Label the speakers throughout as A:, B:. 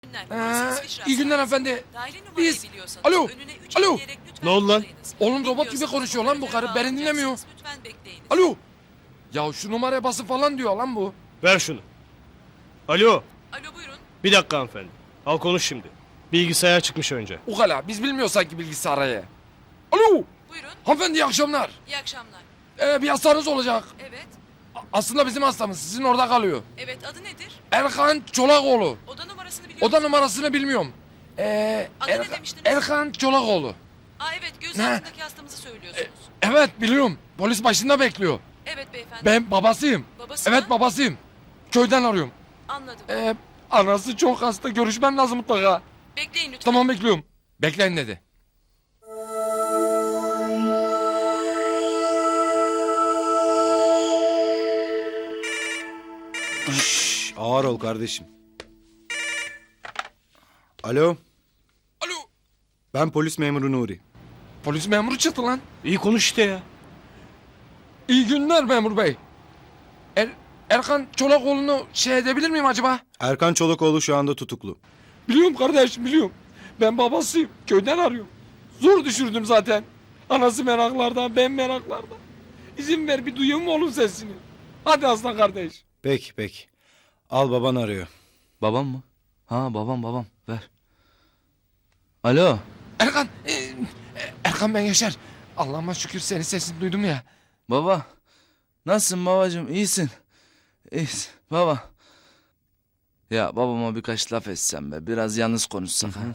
A: İyi günler efendi. Biz... Alo, alo.
B: Ne oldu lan?
A: Oğlum robot gibi konuşuyor lan bu karı. Beni dinlemiyor. Alo. Ya şu numaraya basın falan diyor lan bu.
B: Ver şunu. Alo.
C: Alo buyurun.
B: Bir dakika hanımefendi. Al konuş şimdi. Bilgisayar çıkmış önce.
A: Ukala biz bilmiyoruz sanki bilgisayarı. Alo.
C: Buyurun.
A: Hanımefendi iyi akşamlar.
C: İyi akşamlar.
A: Bir hastanız olacak.
C: Evet.
A: Aslında bizim hastamız sizin orada kalıyor.
C: Evet adı nedir?
A: Erkan Çolakoğlu.
C: Oda numarasını biliyor
A: Oda
C: musun?
A: numarasını bilmiyorum.
C: Adı ne demiştiniz?
A: Erkan Çolakoğlu.
C: Aa evet göz
A: Ne?
C: altındaki hastamızı söylüyorsunuz.
A: Evet biliyorum. Polis başında bekliyor.
C: Evet beyefendi.
A: Ben babasıyım.
C: Babası
A: Evet
C: mı?
A: babasıyım. Köyden arıyorum.
C: Anladım.
A: Anası çok hasta. Görüşmem lazım mutlaka.
C: Bekleyin lütfen.
A: Tamam bekliyorum. Bekleyin dedi.
D: Şşş, ağır ol kardeşim. Alo,
A: Alo.
D: ben polis memuru Nuri.
A: Polis memuru çıktı lan.
B: İyi konuş işte ya.
A: İyi günler memur bey. Erkan Çolakoğlu'nu şey edebilir miyim acaba?
D: Erkan Çolakoğlu şu anda tutuklu.
A: Biliyorum kardeşim biliyorum. Ben babasıyım. Köyden arıyorum. Zor düşürdüm zaten. Anası meraklarda, ben meraklarda. İzin ver bir duyayım mı oğlum sesini? Hadi aslan kardeş.
D: Peki peki. Al baban arıyor.
E: Babam mı? Ha babam ver. Alo.
A: Erkan, Erkan ben Yaşar. Allah'ıma şükür senin sesini duydum ya.
E: Baba. Nasılsın babacığım? İyisin. İyisin baba. Ya babama birkaç laf etsem be. Biraz yalnız konuşsak ha.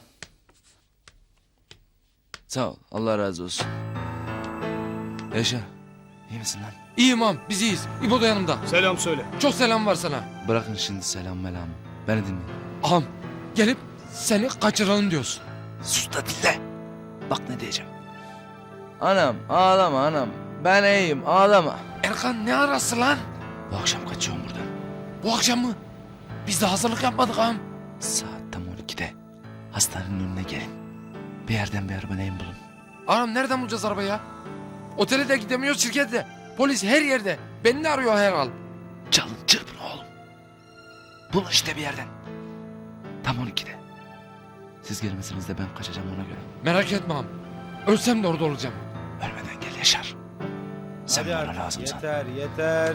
E: Sağ ol. Allah razı olsun. Yaşar. İyi misin lan?
A: İyiyim ağam, biz iyiyiz. İbo da yanımda.
B: Selam söyle.
A: Çok selam var sana.
E: Bırakın şimdi selam melamı. Beni dinle.
A: Ağam, gelip seni kaçıralım diyorsun.
E: Sus da dinle. Bak ne diyeceğim. Anam ağlama anam. Ben iyiyim ağlama.
A: Erkan ne arası lan?
E: Bu akşam kaçıyorum buradan.
A: Bu akşam mı? Biz de hazırlık yapmadık ağam.
E: Saat tam 12'de. Hastanenin önüne gelin. Bir yerden bir araba neyin bulun.
A: Ağam nereden bulacağız arabayı ya? Otele de gidemiyoruz, şirkette de. Polis her yerde. Beni de arıyor herhal.
E: Çalın çırpın oğlum. Bulun işte bir yerden. Tam 12'de. Siz gelmesiniz de ben kaçacağım ona göre.
A: Merak etme ağam. Ölsem de orada olacağım.
E: Ölmeden gel Yaşar. Sen
D: Hadi
E: bana
D: artık,
E: lazımsan.
D: yeter.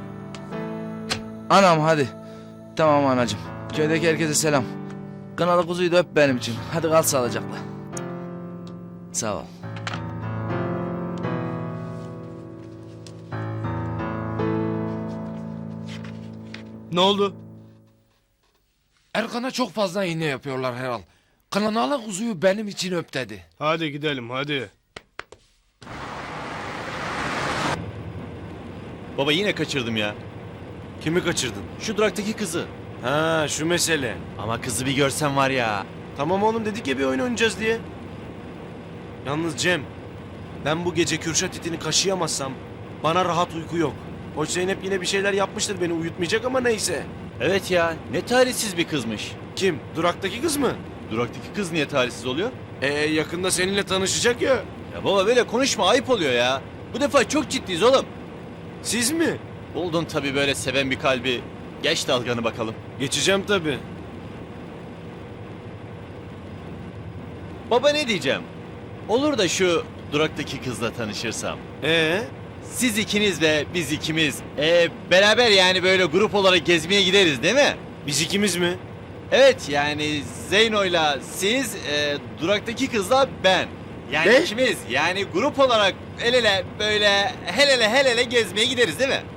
E: Anam hadi. Tamam anacığım. Köydeki herkese selam. Kınalı kuzuyu da öp benim için. Hadi kal sağlıcakla. Sağ ol.
B: Ne oldu?
A: Erkan'a çok fazla iğne yapıyorlar herhal. Kınalı kuzuyu benim için öp dedi.
B: Hadi gidelim hadi.
F: Baba yine kaçırdım ya.
G: Kimi kaçırdın?
F: Şu duraktaki kızı.
G: Ha şu mesele.
F: Ama kızı bir görsen var ya.
G: Tamam oğlum dedik ya bir oyun oynayacağız diye. Yalnız Cem, ben bu gece Kürşat itini kaşıyamazsam bana rahat uyku yok. Hoş Zeynep yine bir şeyler yapmıştır beni uyutmayacak ama neyse.
F: Evet ya, ne talihsiz bir kızmış.
G: Kim? Duraktaki kız mı?
F: Duraktaki kız niye talihsiz oluyor?
G: Yakında seninle tanışacak ya.
F: Ya baba böyle konuşma, ayıp oluyor ya. Bu defa çok ciddiyiz oğlum.
G: Siz mi?
F: Buldun tabii böyle seven bir kalbi. Geç dalganı bakalım.
G: Geçeceğim tabii.
F: Baba ne diyeceğim? Olur da şu duraktaki kızla tanışırsam. Siz ikiniz ve biz ikimiz. Beraber yani böyle grup olarak gezmeye gideriz değil mi?
G: Biz ikimiz mi?
F: Evet yani Zeyno'yla siz, duraktaki kızla ben. Yani
G: Ne?
F: ikimiz yani grup olarak el ele böyle el ele gezmeye gideriz değil mi?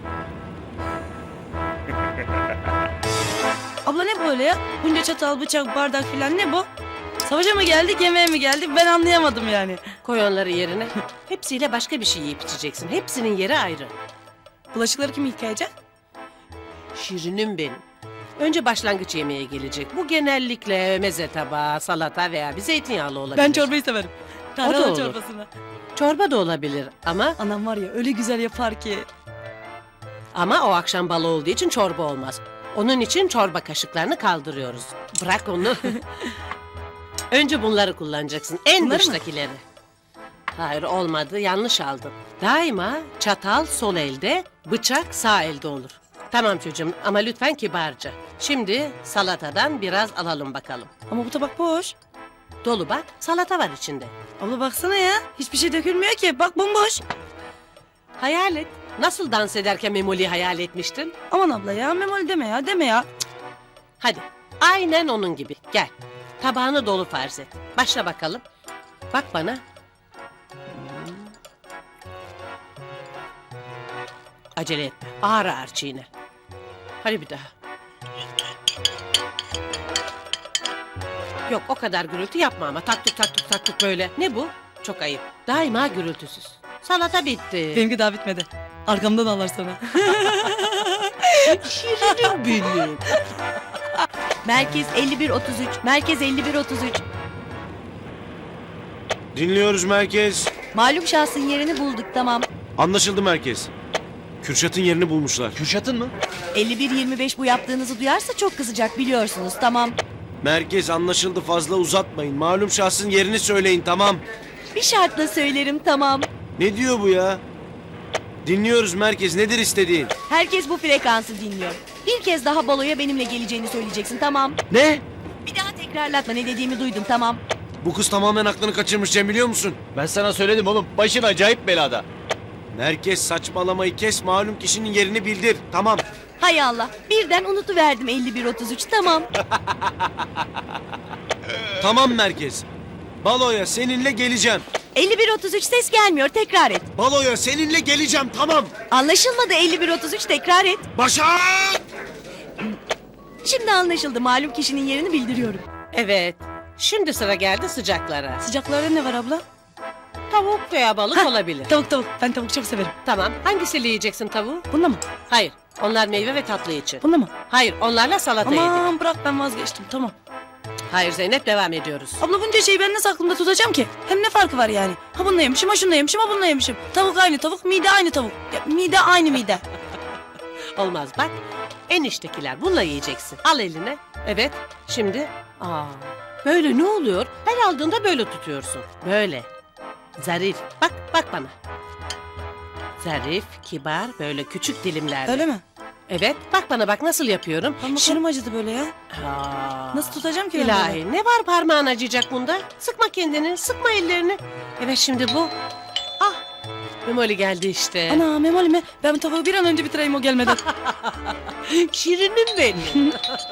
H: Abla ne böyle ya? Bunca çatal, bıçak, bardak filan ne bu? Savaşa mı geldik, yemeğe mi geldik? Ben anlayamadım yani.
I: Koy onları yerine. Hepsiyle başka bir şey yiyip içeceksin. Hepsinin yeri ayrı.
H: Bulaşıkları kim yıkayacak?
I: Şirinim benim. Önce başlangıç yemeğe gelecek. Bu genellikle meze tabağı, salata veya bir zeytinyağlı olabilir.
H: Ben çorbayı severim.
I: O da
H: Tarhana
I: olur.
H: çorbasını.
I: Çorba da olabilir
H: Anam var ya öyle güzel yapar ki.
I: ama o akşam balı olduğu için çorba olmaz. Onun için çorba kaşıklarını kaldırıyoruz. Bırak onu. Önce bunları kullanacaksın. En
H: Bunları mı?
I: dıştakileri. Hayır olmadı, yanlış aldın. Daima çatal sol elde, bıçak sağ elde olur. Tamam çocuğum ama lütfen kibarca. Şimdi salatadan biraz alalım bakalım.
H: Ama bu tabak boş.
I: Dolu bak, salata var içinde.
H: Abla baksana ya. Hiçbir şey dökülmüyor ki. Bak bomboş.
I: Hayal et. Nasıl dans ederken Memoli'yi hayal etmiştin?
H: Aman abla ya. Memoli deme ya. Deme ya.
I: Hadi, aynen onun gibi. Gel, tabağını dolu farz et. Başla bakalım. Bak bana. Acele etme, ağır ağır çiğne. Hadi bir daha. Yok, o kadar gürültü yapma ama. Taktuk taktuk taktuk böyle. Ne bu? Çok ayıp. Daima gürültüsüz. Salata bitti.
H: Benimki daha bitmedi. Arkamdan ağlar sonra.
I: Şirinim benim.
J: Merkez 5133. Merkez 5133.
G: Dinliyoruz merkez.
J: Malum şahsın yerini bulduk, tamam.
G: Anlaşıldı merkez. Kürşat'ın yerini bulmuşlar.
F: Kürşat'ın mı?
J: 5125 bu yaptığınızı duyarsa çok kızacak, biliyorsunuz, tamam.
G: Merkez anlaşıldı, fazla uzatmayın. Malum şahsın yerini söyleyin, tamam.
J: Bir şartla söylerim, tamam.
G: Ne diyor bu ya? Dinliyoruz merkez, nedir istediğin?
J: Herkes bu frekansı dinliyor. Bir kez daha baloya benimle geleceğini söyleyeceksin, tamam.
G: Ne?
J: Bir daha tekrarlatma, ne dediğimi duydum, tamam.
G: Bu kız tamamen aklını kaçırmış Cem, biliyor musun?
F: Ben sana söyledim oğlum. Başın acayip belada.
G: Merkez saçmalamayı kes, malum kişinin yerini bildir. Tamam.
J: Hay Allah, birden unutuverdim 5133, tamam.
G: Tamam merkez. Baloya seninle geleceğim.
J: 5133 ses gelmiyor, tekrar et.
G: Baloya seninle geleceğim, tamam.
J: Anlaşılmadı 5133, tekrar et.
G: Başak!
J: Şimdi anlaşıldı, malum kişinin yerini bildiriyorum.
I: Evet, şimdi sıra geldi sıcaklara.
H: Sıcaklarda ne var abla?
I: Tavuk veya balık olabilir.
H: Tavuk. Ben tavuk çok severim.
I: Tamam, hangisiyle yiyeceksin tavuğu?
H: Bunda mı?
I: Hayır, onlar meyve ve tatlı için.
H: Bunda mı?
I: Hayır, onlarla salata yedik.
H: Aman bırak ben vazgeçtim. Tamam.
I: Hayır Zeynep, devam ediyoruz.
H: Abla bunca şeyi ben nasıl aklımda tutacağım ki? Hem ne farkı var yani? Ha bununla yemişim, ha şununla yemişim, ha bununla yemişim. Tavuk aynı tavuk, mide aynı tavuk. Ya, mide aynı mide.
I: Olmaz bak, eniştekiler bununla yiyeceksin. Al eline. Evet, şimdi. Böyle ne oluyor? Her aldığında böyle tutuyorsun. Böyle. Zarif. Bak bana. Zarif, kibar, böyle küçük dilimlerde.
H: Öyle mi?
I: Evet, bak bana bak nasıl yapıyorum.
H: Parmaklarım acıdı böyle ya.
I: Aa,
H: Nasıl tutacağım ki ben böyle?
I: İlahi, ne var parmağın acıyacak bunda? Sıkma kendini, sıkma ellerini. Evet, şimdi bu. Ah, Memoli geldi işte.
H: Ana Memoli mi? Ben tavuğu bir an önce bitireyim o gelmeden.
I: Şirinim benim.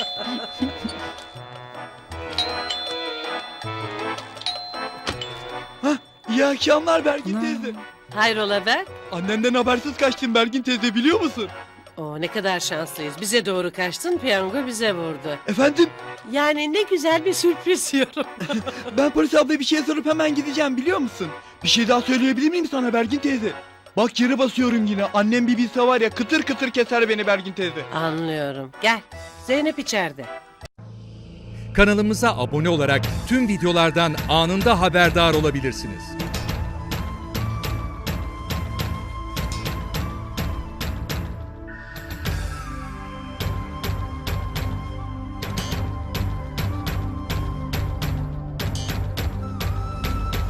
K: İyi akşamlar Bergin
H: Ana.
K: teyze.
I: Hayrola Berk?
K: Annenden habersiz kaçtın Bergin teyze, biliyor musun?
I: Oo, ne kadar şanslıyız. Bize doğru kaçtın, piyango bize vurdu.
K: Efendim,
I: Yani ne güzel bir sürpriz diyorum.
K: ben polis ablaya bir şey sorup hemen gideceğim, biliyor musun? Bir şey daha söyleyebilir miyim sana Bergin teyze? Bak yere basıyorum yine. Annem bir bilse var ya, kıtır kıtır keser beni Bergin teyze.
I: Anlıyorum. Gel. Zeynep içeride.
L: Kanalımıza abone olarak tüm videolardan anında haberdar olabilirsiniz.